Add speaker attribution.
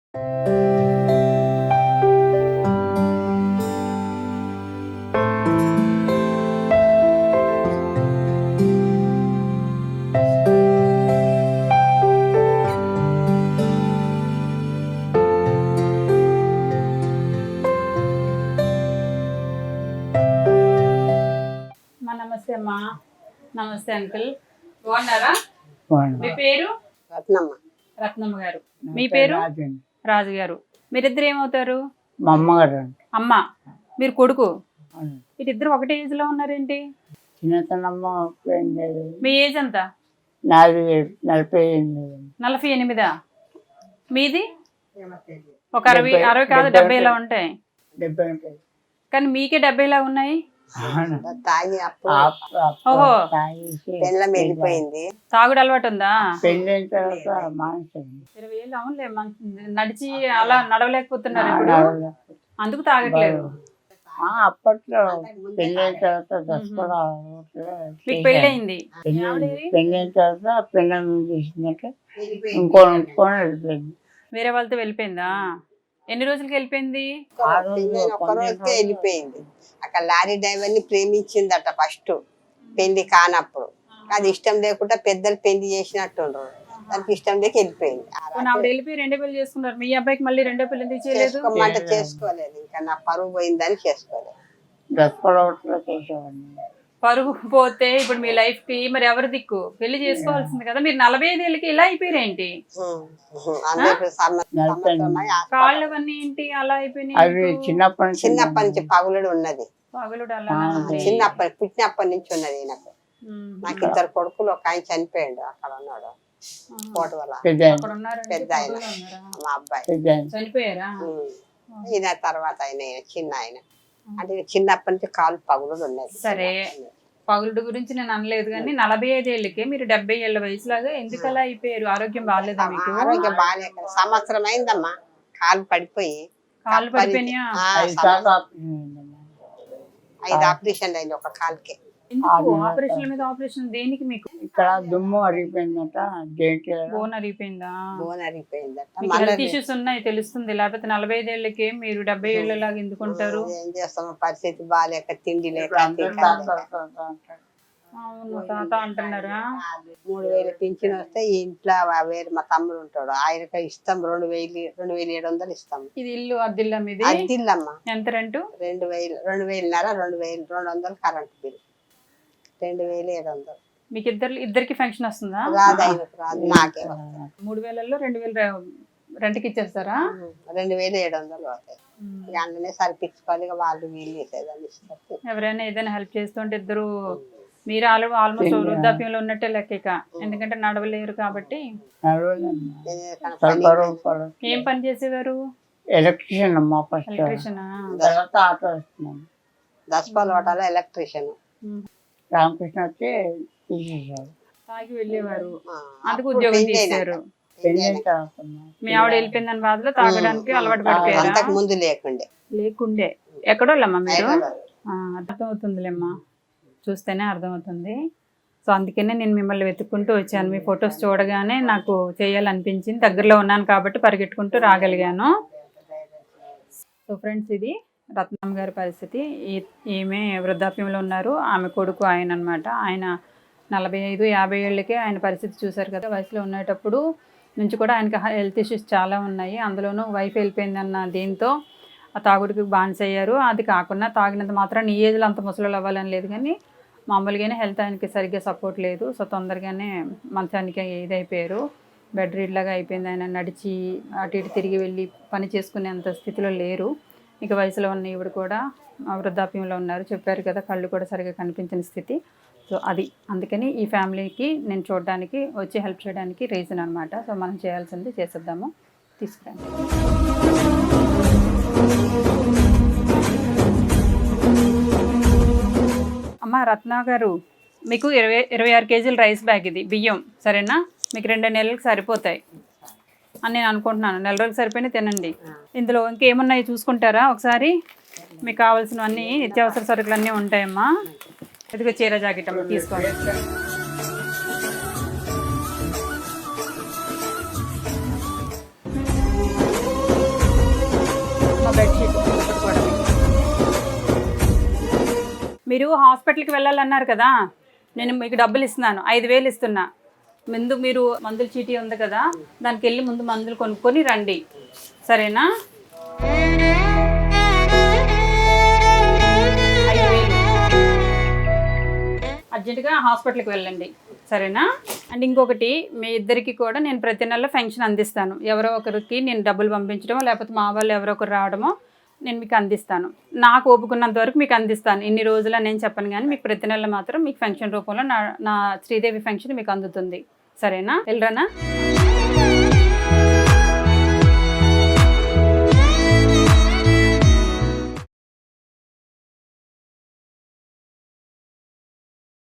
Speaker 1: నమస్తే అమ్మా. నమస్తే అంకుల్, బాగున్నారా? మీ పేరు?
Speaker 2: రత్నమ్మ.
Speaker 1: రత్నమ్మ గారు. మీ పేరు? రాజు గారు. మీరిద్దరు ఏమవుతారు?
Speaker 3: మా అమ్మగారు.
Speaker 1: అమ్మ, మీరు కొడుకు. వీటిద్దరు ఒకటే ఏజ్ లో ఉన్నారేంటి?
Speaker 3: చిన్నతనమ్మ.
Speaker 1: మీ ఏజ్ ఎంత?
Speaker 3: 48.
Speaker 1: 48. మీది? ఒక 60 కాదు 70 ఉంటాయి.
Speaker 3: 70 ఉంటాయి.
Speaker 1: కానీ మీకే 70 ఉన్నాయి.
Speaker 2: ఓహో, వెళ్ళిపోయింది.
Speaker 1: తాగుడు అలవాటు ఉందా?
Speaker 3: పెళ్ళైన తర్వాత
Speaker 1: 20 ఏళ్ళు. అవునులే, నడిచి అలా నడవలేకపోతున్నారు ఇప్పుడు, అందుకు తాగట్లేదు.
Speaker 3: అప్పట్లో పెళ్ళైన తర్వాత దసరా
Speaker 1: మీకు పెళ్ళయింది?
Speaker 3: పెళ్ళైన తర్వాత పిల్లలు చేసిందంటే ఇంకోని వెళ్ళిపోయింది.
Speaker 1: వేరే వాళ్ళతో వెళ్ళిపోయిందా? ఎన్ని రోజులకి వెళ్ళిపోయింది?
Speaker 2: ఒక రోజుకే వెళ్ళిపోయింది. అక్కడ లారీ డ్రైవర్ ని ప్రేమించిందట ఫస్ట్, పెళ్లి కానప్పుడు. అది ఇష్టం లేకుండా పెద్దలు పెళ్లి చేసినట్టుండ్రు, దానికి ఇష్టం లేక వెళ్ళిపోయింది.
Speaker 1: ఆవిడ వెళ్ళిపోయి రెండో పెళ్లి చేసుకున్నారు. మీ అబ్బాయికి మళ్ళీ రెండో పెళ్లి ఎందుకు చేయలేదు?
Speaker 2: చేసుకోలేదు, ఇంకా నా పరువు పోయిందని చేసుకోలేదు.
Speaker 1: పరుగు పోతే ఇప్పుడు మీ లైఫ్ కి మరి ఎవరు దిక్కు? పెళ్లి చేసుకోవాల్సింది కదా. మీరు 45 ఏళ్ళకి ఇలా అయిపోయారేంటి? కాళ్ళు అవన్నీ ఏంటి అలా అయిపోయినాయి?
Speaker 2: చిన్నప్పటి నుంచి పగులుడు ఉన్నది.
Speaker 1: పగులుడు అలా
Speaker 2: పుట్టినప్పటి నుంచి ఉన్నది నాకు. నాకు 2 కొడుకులు, ఒక ఆయన చనిపోయాడు అక్కడ ఉన్నాడు కోట వల్ల. పెద్ద ఆయన మా అబ్బాయి
Speaker 1: చనిపోయారా?
Speaker 2: ఈయన తర్వాత ఆయన చిన్న ఆయన, అంటే చిన్నప్పటి నుంచి కాలు పగులుడు ఉన్నది.
Speaker 1: సరే, పగులుడు గురించి నేను అనలేదు కానీ 45 ఏళ్ళకే మీరు 70 ఏళ్ళ వయసులాగా ఎందుకు అలా అయిపోయారు? ఆరోగ్యం బాగాలేదా మీకు?
Speaker 2: ఆరోగ్యం బాగాలేక సంవత్సరం అయిందమ్మా కాలు పడిపోయి.
Speaker 1: కాళ్ళు పడిపోయినాయా?
Speaker 2: 5 ఆపరేషన్ అయింది ఒక కాలుకే.
Speaker 1: ఆపరేషన్ మీద ఆపరేషన్ దేనికి మీకు?
Speaker 3: ఇక్కడ దుమ్ము అరిగిపోయిందట.
Speaker 1: బోన్ అరిగిపోయిందా?
Speaker 2: బోన్ అరిగిపోయిందట.
Speaker 1: హెల్త్ ఇష్యూస్ ఉన్నాయి తెలుస్తుంది. లేకపోతే 45 ఏళ్ళకే మీరు 70 ఏళ్ళలాగా ఎందుకుంటారు?
Speaker 2: ఏం చేస్తాము, పరిస్థితి బాగాలేక, తిండి లేక.
Speaker 1: అవును, తాత అంటున్నారా?
Speaker 2: 3000 పింఛన్ వస్తే ఈ ఇంట్లో వేరే మా తమ్ముడు ఉంటాడు, ఆయనకి ఇస్తాం 2700 ఇస్తాం.
Speaker 1: ఇది ఇల్లు అద్దిల్లా మీది?
Speaker 2: అద్దిల్లమ్మా.
Speaker 1: ఎంత రెంటు?
Speaker 2: 2,500 current bill 2,700.
Speaker 1: మీకు ఇద్దరికి ఫంక్షన్ వస్తుందా?
Speaker 2: రాదు, నాకే
Speaker 1: 3000లో 2000 రెంట్కి ఇచ్చేస్తారా?
Speaker 2: 2,700 అవుతాయి. అందులోనే సరిపించుకోవాలి, వాళ్ళు వీళ్ళు చేసేదాన్ని ఇస్తారు.
Speaker 1: ఎవరైనా ఏదైనా హెల్ప్ చేస్తుంటే ఇద్దరు, మీరు ఆల్మోస్ట్ వృద్ధాప్యంలో ఉన్నట్టే లెక్క, ఎందుకంటే నడవలేరు కాబట్టి. ఏం పని చేసేవారు?
Speaker 3: ఎలక్ట్రీషియన్ అమ్మా.
Speaker 1: ఎలక్ట్రీషియనా?
Speaker 2: Daspalla hotel electrician.
Speaker 3: రామకృష్ణ వచ్చి తీసేసారు.
Speaker 1: తాగి వెళ్ళేవారు, అందుకు ఉద్యోగం తీశారు. మీ ఆవిడ వెళ్ళిపోయిందని బాధలో తాగడానికి అలవాటు పడిపోయారు.
Speaker 2: ముందు లేకుండే.
Speaker 1: ఎక్కడోళ్ళమ్మా మీరు? అర్థమవుతుందిలేమ్మా, చూస్తేనే అర్థమవుతుంది. సో అందుకనే నేను మిమ్మల్ని వెతుక్కుంటూ వచ్చాను. మీ ఫొటోస్ చూడగానే నాకు చేయాలనిపించింది. దగ్గరలో ఉన్నాను కాబట్టి పరిగెట్టుకుంటూ రాగలిగాను. సో ఫ్రెండ్స్, ఇది రత్నమ్మ గారి పరిస్థితి. ఈమె వృద్ధాప్యంలో ఉన్నారు. ఆమె కొడుకు ఆయన అనమాట. ఆయన 45-50 ఏళ్ళకే ఆయన పరిస్థితి చూశారు కదా. వయసులో ఉండేటప్పుడు నుంచి కూడా ఆయనకి హెల్త్ ఇష్యూస్ చాలా ఉన్నాయి. అందులోనూ వైఫ్ వెళ్ళిపోయిందన్న దీంతో ఆ తాగుడికి బానిసయ్యారు. అది కాకుండా తాగినంత మాత్రం ఈ ఏజ్లో అంత ముసలు అవ్వాలని లేదు, కానీ మామూలుగానే హెల్త్ ఆయనకి సరిగ్గా సపోర్ట్ లేదు. సో తొందరగానే మంచానికి ఇదైపోయారు. బెడ్ రీడ్లాగా అయిపోయింది. ఆయన నడిచి అటు ఇటు తిరిగి వెళ్ళి పని చేసుకునేంత స్థితిలో లేరు. ఇక వయసులో ఉన్న ఈవిడ కూడా వృద్ధాప్యంలో ఉన్నారు. చెప్పారు కదా, కళ్ళు కూడా సరిగ్గా కనిపించిన స్థితి. సో అది అందుకని ఈ ఫ్యామిలీకి నేను చూడడానికి వచ్చి హెల్ప్ చేయడానికి రీజన్ అనమాట. సో మనం చేయాల్సింది చేసేద్దాము. తీసుకురండి. అమ్మ రత్న గారు, మీకు 26 కేజీల రైస్ బ్యాగ్ ఇది బియ్యం, సరేనా? మీకు 2 నెలలకు సరిపోతాయి అని నేను అనుకుంటున్నాను. 4 రోజులు సరిపోయినా తినండి. ఇందులో ఇంకేమున్నాయి చూసుకుంటారా ఒకసారి? మీకు కావాల్సినవన్నీ నిత్యావసర సరుకులు అన్నీ ఉంటాయమ్మా. ఇదిగో చీర జాకెట్ అమ్మ, తీసుకోండి. మీరు హాస్పిటల్కి వెళ్ళాలన్నారు కదా, నేను మీకు డబ్బులు ఇస్తున్నాను, 5,000 ఇస్తున్నా. ముందు మీరు మందుల చీటీ ఉంది కదా, దానికి వెళ్ళి ముందు మందులు కొనుక్కొని రండి, సరేనా? 5,000 అర్జెంటుగా హాస్పిటల్కి వెళ్ళండి, సరేనా? అండ్ ఇంకొకటి, మీ ఇద్దరికి కూడా నేను ప్రతి నెల ఫంక్షన్ అందిస్తాను. ఎవరో ఒకరికి నేను డబ్బులు పంపించడమో లేకపోతే మా వాళ్ళు ఎవరో ఒకరు రావడమో నేను మీకు అందిస్తాను. నాకు ఓపుకున్నంత వరకు మీకు అందిస్తాను. ఇన్ని రోజులు నేను చెప్పను, కానీ మీకు ప్రతి నెల మాత్రం మీకు ఫంక్షన్ రూపంలో నా శ్రీదేవి ఫంక్షన్ మీకు అందుతుంది, సరేనా? వెళ్ళరానా?